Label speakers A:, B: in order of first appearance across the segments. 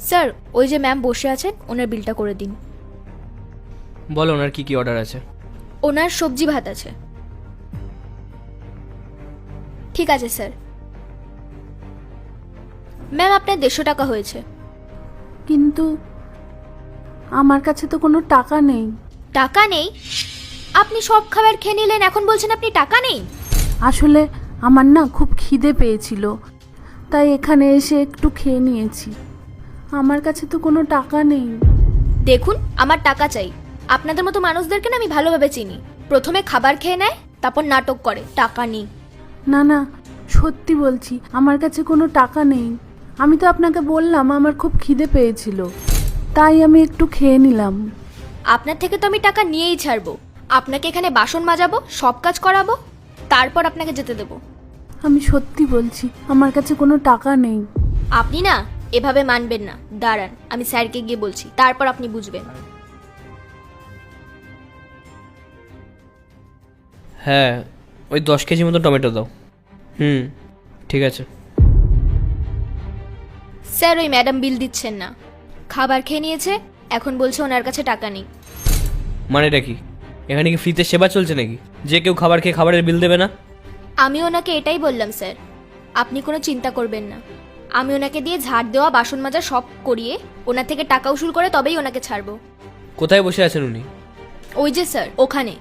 A: Sir ওই যে ma'am বসে আছেন, ওনার বিলটা করে দিন।
B: বলো ওনার কি কি অর্ডার আছে।
A: ওনার সবজি ভাত আছে। ঠিক আছে স্যার। ম্যাম আপনার 150 টাকা হয়েছে।
C: কিন্তু আমার কাছে তো কোনো টাকা নেই।
A: টাকা নেই? আপনি সব খাবার খেয়ে নিলেন, এখন বলছেন আপনি টাকা নেই?
C: আসলে আমার না খুব খিদে পেয়েছিল, তাই এখানে এসে একটু খেয়ে নিয়েছি। আমার কাছে তো কোনো টাকা নেই।
A: দেখুন আমার টাকা চাই। আপনাদের মতো মানুষদেরকে না আমি ভালোভাবে চিনি। প্রথমে খাবার খেয়ে নেয়, তারপর নাটক করে টাকা নেই।
C: না না, সত্যি বলছি আমার কাছে কোনো টাকা নেই। আমি তো আপনাকে বললাম আমার খুব খিদে পেয়েছিল, তাই আমি একটু খেয়ে নিলাম।
A: আপনার থেকে তো আমি টাকা নিয়েই ছাড়বো। আপনাকে এখানে বাসন মাজাবো, সব কাজ করাবো, তারপর আপনাকে যেতে দেবো।
C: আমি সত্যি বলছি আমার কাছে কোনো টাকা নেই।
A: আপনি না এভাবে মানবেন না। দাঁড়ান, আমি স্যারকে গিয়ে বলছি, তারপর আপনি বুঝবেন।
B: হ্যাঁ, ওই 10 কেজি মতো টমেটো দাও। ঠিক আছে।
A: স্যার ওই ম্যাডাম বিল দিচ্ছেন না। খাবার খেয়ে নিয়েছে, এখন বলছে ওনার কাছে টাকা নেই।
B: মানেটা কি? এখানে কি ফ্রিতে সেবা চলছে নাকি, যে কেউ খাবার খেয়ে খাবারের বিল দেবে না?
A: আমি ওনাকে এটাই বললাম স্যার, আপনি কোনো চিন্তা করবেন না। আমি ওনাকে দিয়ে ঝাড় দেওয়া, বাসন মাজা সব করিয়ে ওনার থেকে টাকা উসুল করে তবেই ওনাকে ছাড়বো।
B: কোথায় বসে আছেন উনি?
A: ওই যে স্যার ওখানে।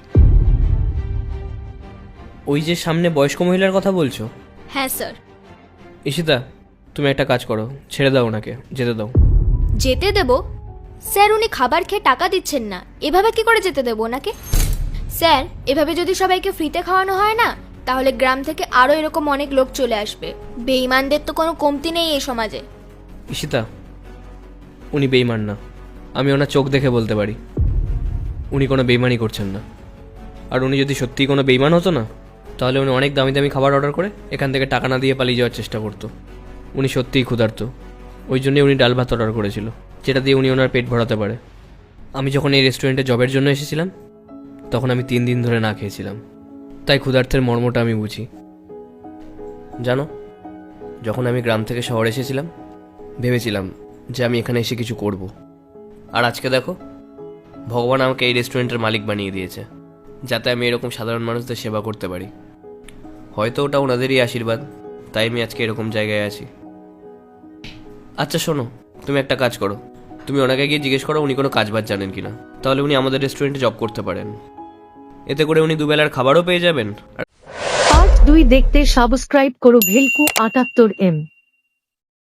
B: ওই যে সামনে বয়স্ক মহিলার কথা বলছো?
A: হ্যাঁ স্যার।
B: ঈশিতা, তুমি একটা কাজ করো, ছেড়ে দাও ওনাকে, যেতে দাও।
A: যেতে দেবো? স্যার উনি খাবার খেয়ে টাকা দিচ্ছেন না, এভাবে কি করে যেতে দেবো ওনাকে? স্যার এভাবে যদি সবাইকে ফ্রিতে খাওয়ানো হয় না, তাহলে গ্রাম থেকে আরও এরকম অনেক লোক চলে আসবে। বেঈমানদের তো কোনো কমতি নেই এই সমাজে।
B: ঈশিতা, উনি বেইমান না, আমি ওনার চোখ দেখে বলতে পারি। উনি কোনো বেইমানি করছেন না। আর উনি যদি সত্যিই কোনো বেইমান হতো না, তাহলে উনি অনেক দামি দামি খাবার অর্ডার করে এখান থেকে টাকা না দিয়ে পালিয়ে যাওয়ার চেষ্টা করতো। উনি সত্যিই ক্ষুধার্ত, ওই জন্যই উনি ডাল ভাত অর্ডার করেছিল, যেটা দিয়ে উনি ওনার পেট ভরাতে পারে। আমি যখন এই রেস্টুরেন্টে জবের জন্য এসেছিলাম, তখন আমি 3 দিন ধরে না খেয়েছিলাম, তাই ক্ষুধার্তের মর্মটা আমি বুঝি। জানো, যখন আমি গ্রাম থেকে শহরে এসেছিলাম, ভেবেছিলাম যে আমি এখানে এসে কিছু করব। আর আজকে দেখো, ভগবান আমাকে এই রেস্টুরেন্টের মালিক বানিয়ে দিয়েছে, যাতে আমি এরকম সাধারণ মানুষদের সেবা করতে পারি। হয়তো ওটা ওনাদেরই আশীর্বাদ, তাই আমি আজকে এরকম জায়গায় আছি। আচ্ছা শোনো, তুমি একটা কাজ করো, তুমি ওনাকে গিয়ে জিজ্ঞেস করো উনি কোনো কাজবাজ জানেন কিনা, তাহলে উনি আমাদের রেস্টুরেন্টে জব করতে পারেন। এতে করে উনি দুবেলার খাবারও পেয়ে যাবেন।
D: পার্ট 2 দেখতে সাবস্ক্রাইব করো ভেলকু 78M।